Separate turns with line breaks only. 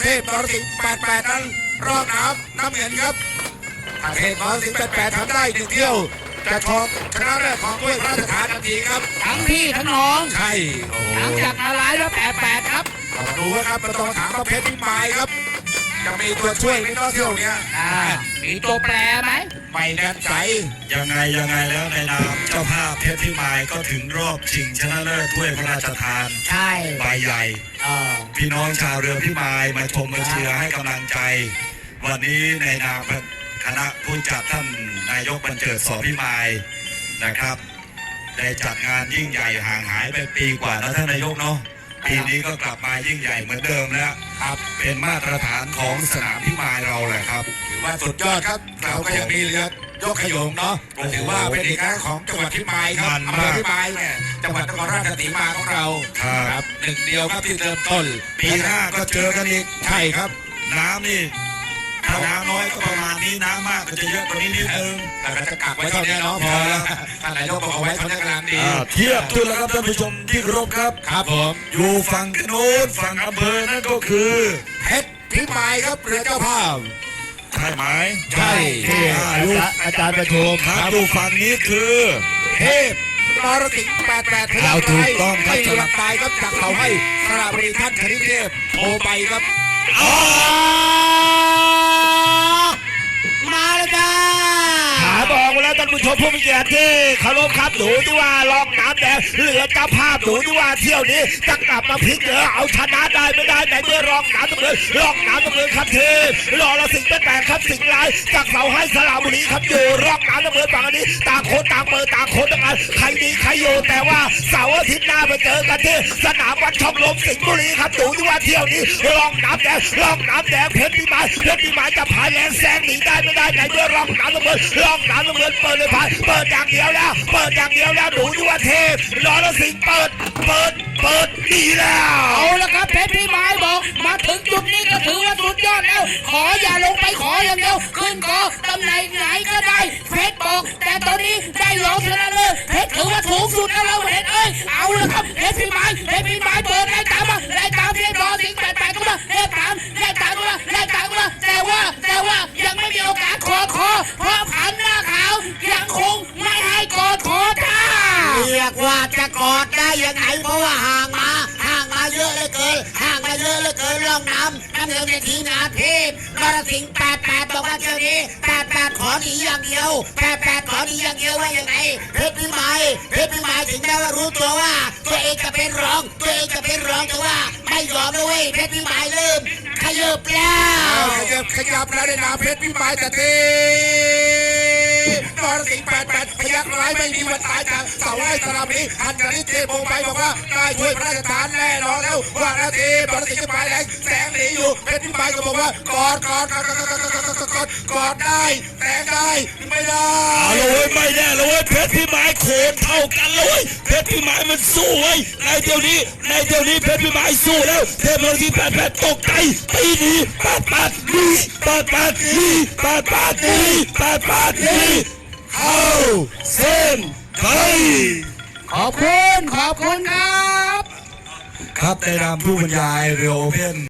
พนรสิงห์88นั้นรอบน้ำเงินครับเทพนรสิงห์88ทำได้1เที่ยวจะทองชนะแรกของด้วยพระราชทานทันทีครับ
ทั้งพี่ทั้งน้อง
ใช่
หลังจากอะไรแล้ว88ครับ
ดูครับประตูถามประเภทพิมายครับจะมีตัวช่วยในรอบเที่ยวนี้
มีตัวแปรไหม
ไม่แน่ใจ
ยังไงแล้วในนามเจ้าภาพเพชรพิมายก็ถึงรอบชิงชนะเลิศถ้วยพระราชทาน
ใช่
ใบใหญ่พี่น้องชาวเรือพิมายมาชมมาเชียร์ให้กำลังใจวันนี้ในนามคณะผู้จัดท่านนายกบรรเจิด ส.พิมายนะครับได้จัดงานยิ่งใหญ่ห่างหายไปปีกว่าแล้วท่านนายกเนาะปีนี้ก็กลับมายิ่งใหญ่เหมือนเดิมแล้วครับเป็นมาตรฐานของสนามพิมายเราแหละครับ
ถือว่าสุดยอดครับเราก็ยังมีเรือยกขยงเนาะถือว่าเป็นเอกลักษณ์ของจังหวัดพิมายครับอำเภอพิมายเนี่ยจังหวัดนครราชสีมาของเรา
ครับ
หนึ่งเดียวครับที่เริ่มต้น
ปีหน้าก็เจอกันอีก
ใช่ครับ
น้ำนี่ถ้าน้ำน้อยก็ประมาณนี้น้ำมากก็จะเยอะกว่านี้นิดนึง
แต่ก็จะกักไว้เท่านี้เนาะพอแล้วท่านนายกบอกเอาไว้เท่านี้กำลังดี
เทียบทุนแล้วครับท่านผู้ชมที่เคารพครับ
ครับผม
อยู่ฝั่งโน้นฝั่งอำเภอนั่นก็คือ
เพชรพิมายครับเรือเจ้าภาพ
ใช่ไหม
ใช่ที่อาจารย์ประชุม
ครับอยู่ฝั่งนี้คือ
เทพนรสิงห์88
เราถูกต้องครับ
สลับตายครับจากเขาให้สระบุรีท่านคณิตเทพโทรไปครับ
มาแล้วจ้า
บอกแล้วท่านผู้ชมผู้มีเกียรติที่เคารพครับหนูที่ว่าลองน้ำแดงเหลือเจ้าภาพหนูที่ว่าเที่ยวนี้จะกลับมาพลิกเหลือเอาชนะได้ไม่ได้ไหนเมื่อรองน้ำตะเงินรองน้ำตะเงินครับทีรอละสิงห์88ครับสิงห์ลายจากเสาให้สระบุรีครับอยู่รองน้ำตะเงินฝั่งนี้ต่างคนต่างเปิดต่างคนต่างกันใครดีใครอยู่แต่ว่าเสาร์อาทิตย์หน้าไปเจอกันที่สนามวัดช่องลมสิงห์บุรีครับหนูที่ว่าเที่ยวนี้รองน้ำแดงเพชรพิมายจะพายแรงแซงหนีได้ไม่ได้ไหนเมื่อรองน้ำตะเงินรองน้ำตะเงินเปิดเลยเปิดอย่างเดียวแล้วหนูที่ว่าเทพนรสิงห์เปิดดีแล้ว
เอาละครับเพชรพิมายบอกมาถึงจุดนี้ก็ถือว่าสุดยอดแล้วขออย่าลงไปขออย่างเดียวขึ้นก็ตำแหน่งไหนก็ได้เพชรบอกแต่ตอนนี้ได้รองชนะเลิศเพชรถือว่าสูงสุดแล้วเราเห็นเอาละครับเพชรพิมายเปิดไล่ตามเพชรนรสิงห์88ก็มาไล่ตามแต่ว่ายังไม่มีโอกาสขอเพราะผันหน้าขาวยังคงไม่ให้กอดขอท่า
เรียกว่าจะกอดได้ยังไงเพราะว่าห่างมาเยอะเหลือเกินร่องน้ำเงินในทีมงานเทพนรสิงห์88บอกว่าเจ้านี้88ขอหนีอย่างเดียว88ขอหนีอย่างเดียวว่ายังไงเพชรพิมายถึงแม้ว่ารู้ตัวว่าตัวเองจะเป็นรองแต่ว่าไม่ยอมด้วยเพชรพิมายเริ่มขยับแล้ว
ขยับแล้วในนามเพชรพิมายแต่ทีนรสิงห์88พยักร้ายไม่มีวันตายจากเสาไร่สระบุรีท่านคณิตเทพโทรไปบอกว่าได้ช่วยพระราชทานแน่นอนแล้วว่านาทีนรสิงห์แรงแสงหนีอยู่เพชรพิมายก็บอกว่ากอดได้แสงได้ไม่ได้
ไม่ได้เลยเพชรพิมายโขนเท่ากันเลยเพชรพิมายมันสู้ไว้ในเดี๋ยวนี้เพชรพิมายสู้แล้วเทพนรสิงห์88ตกใจตีดี88ดีเข้าเส้นชัย
ขอบคุณครับ
ครับในนามผู้บรรยายเรือโอเพ่น